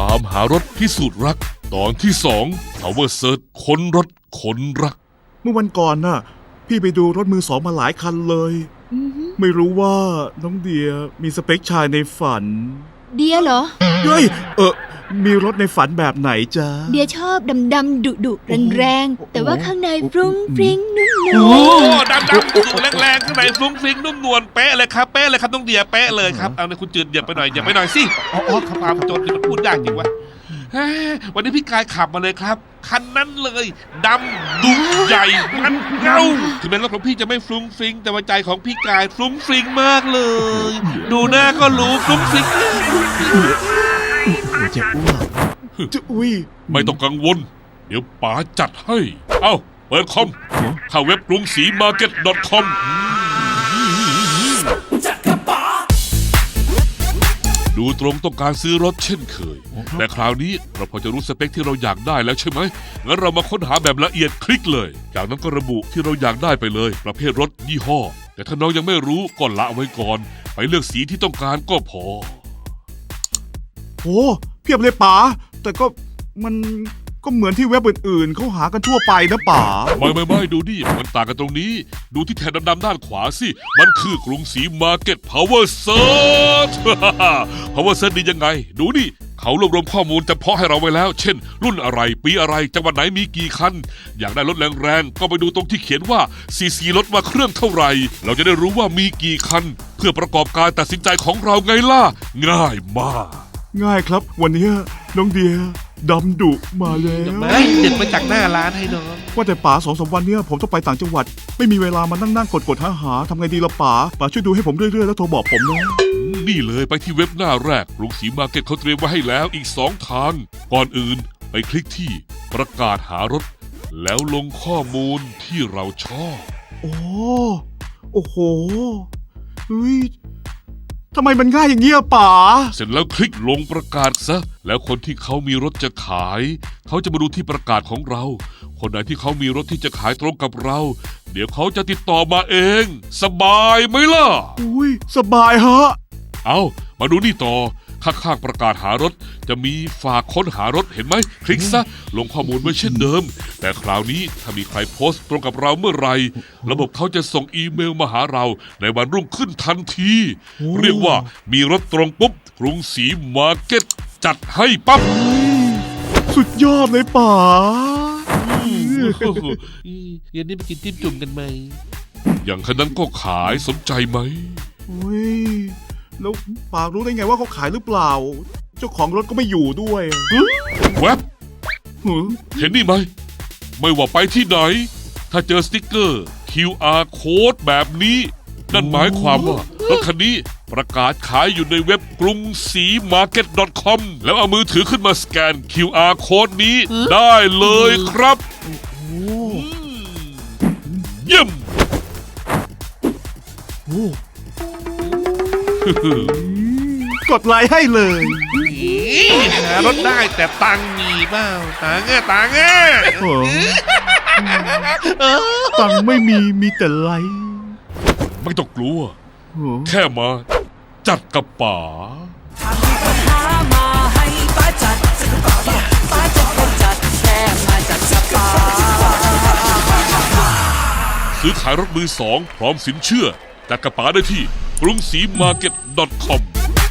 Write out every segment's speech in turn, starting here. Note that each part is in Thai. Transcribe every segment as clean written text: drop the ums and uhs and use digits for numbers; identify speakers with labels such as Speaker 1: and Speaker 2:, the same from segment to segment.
Speaker 1: ตามหารถพิสูจน์รักตอนที่2 Power Search ค้นรถค้นรัก
Speaker 2: เมื่อวันก่อนน่ะพี่ไปดูรถมือสองมาหลายคันเลยไม่รู้ว่าน้องเดียมีสเปคชายในฝัน
Speaker 3: เดียเหรอ
Speaker 2: เฮ้ยมีรถในฝันแบบไหนจ๊ะ
Speaker 3: เดียชอบดำๆดุๆแรงๆแต่ว่าข้างในฟรุ้งฟริ้งนุ่มนวล
Speaker 1: โอ้ดำดุแรงๆข้างในฟรุ้งฟริ้งนุ่มนวลเป๊ะเลยครับเป๊ะเลยครับน้องเดียเป๊ะเลยครับเอาในคุณจืดเหยียบไปหน่อยสิอ๋อขับตามโจรที่มันพูดยากจริงวะวันนี้พี่กายขับมาเลยครับคันนั้นเลยดำดุใหญ่มันเงาถึงแม้รถของพี่จะไม่ฟรุ้งฟริ้งแต่ว่าใจของพี่กายฟรุ้งฟริ้งมากเลยดูหน้าก็รู้ฟรุ้งฟริ้ง
Speaker 2: จะอ้วกจะอุ้ย
Speaker 1: ไม่ต้องกังวลเดี๋ยวป๋าจัดให้เอ้าเปิดคอมเข้าเว็บกรุงศรีมาร์เก็ต .com ดูตรงต้องการซื้อรถเช่นเคยแต่คราวนี้เราพอจะรู้สเปคที่เราอยากได้แล้วใช่ไหมงั้นเรามาค้นหาแบบละเอียดคลิกเลยจากนั้นก็ระบุที่เราอยากได้ไปเลยประเภทรถยี่ห้อแต่ถ้าน้องยังไม่รู้ก็ละไว้ก่อนไปเลือกสีที่ต้องการก็พอ
Speaker 2: โอ้เพียบเลยป๋าแต่ก็มันก็เหมือนที่เว็บอื่นๆเขาหากันทั่วไปนะป๋า
Speaker 1: ไม่ดูดิมันต่างกันตรงนี้ดูที่แถบดำๆด้านขวาสิมันคือกรุงศรีมาร์เก็ต Power Search Power Search ดียังไงดูดิเขารวบรวมข้อมูลเฉพาะให้เราไว้แล้วเช่นรุ่นอะไรปีอะไรจังหวัดไหนมีกี่คันอยากได้รถแรงๆก็ไปดูตรงที่เขียนว่าซีซีรถมาเครื่องเท่าไหร่เราจะได้รู้ว่ามีกี่คันเพื่อประกอบการตัดสินใจของเราไงล่ะง่ายมาก
Speaker 2: ง่ายครับวันนี้น้องเดียดำดุมาแล้ว
Speaker 4: เด็ดมาจากหน้าร้านให้น้อง
Speaker 2: ว่าแต่ป๋า2-3 วันเนี้ยผมต้องไปต่างจังหวัดไม่มีเวลามานั่งกดหาทำไงดีละป๋าช่วยดูให้ผมเรื่อยๆแล้วโทรบอกผมนะ
Speaker 1: นี่เลยไปที่เว็บหน้าแรกกรุงศรีมาร์เก็ตเขาเตรียมไว้ให้แล้วอีก2 ทางก่อนอื่นไปคลิกที่ประกาศหารถแล้วลงข้อมูลที่เราชอบ
Speaker 2: โอ้โหเฮ้ยทำไมมันง่ายอย่างเงี้ยป๋า
Speaker 1: เสร็จแล้วคลิกลงประกาศซะแล้วคนที่เขามีรถจะขายเขาจะมาดูที่ประกาศของเราคนไหนที่เขามีรถที่จะขายตรงกับเราเดี๋ยวเขาจะติดต่อมาเองสบายไหมล่ะ
Speaker 2: อุ้ยสบายฮะ
Speaker 1: เอามาดูนี่ต่อข้างๆประกาศหารถจะมีฝากค้นหารถเห็นไหมคลิกซะลงข้อมูลไว้เช่นเดิมแต่คราวนี้ถ้ามีใครโพสต์ตรงกับเราเมื่อไหร่ระบบเขาจะส่งอีเมลมาหาเราในวันรุ่งขึ้นทันทีเรียกว่ามีรถตรงปุ๊บกรุงศรีมาร์เก็ตจัดให้ปั๊บ
Speaker 2: สุดยอดเลยป๋า
Speaker 4: เย็นนี้ไปกินจิ้มจุ่มกันไหม
Speaker 1: อย่างคันนั้นก็ขายสนใจไหม
Speaker 2: แล้วป๋ารู้ได้ไงว่าเขาขายหรือเปล่าเจ้าของรถก็ไม่อยู่ด้วย
Speaker 1: แวบเห็นนี่ไหมไม่ว่าไปที่ไหนถ้าเจอสติ๊กเกอร์ QR Code แบบนี้นั่นหมายความว่ารถคันนี้ประกาศขายอยู่ในเว็บกรุงศรีมาร์เก็ต .com แล้วเอามือถือขึ้นมาสแกน QR Code นี้ได้เลยครับเยี่ยม
Speaker 2: กดไลค์ให้เลย
Speaker 4: หารถได้แต่ตังค์มีเปล่าตังค์ตังค์
Speaker 2: ไม่มีแต่ไลค์
Speaker 1: ไม่ต้องกลัวแค่มาจัดกับป๋าซื้อขายรถมือสองพร้อมสินเชื่อจัดกับป๋าได้ที่กรุงศรีมาร์เก็ต .com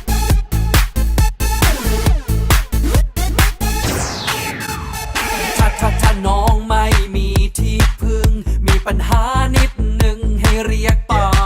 Speaker 5: ถ้าน้องไม่มีที่พึ่งมีปัญหานิดหนึ่งให้เรียกป๋า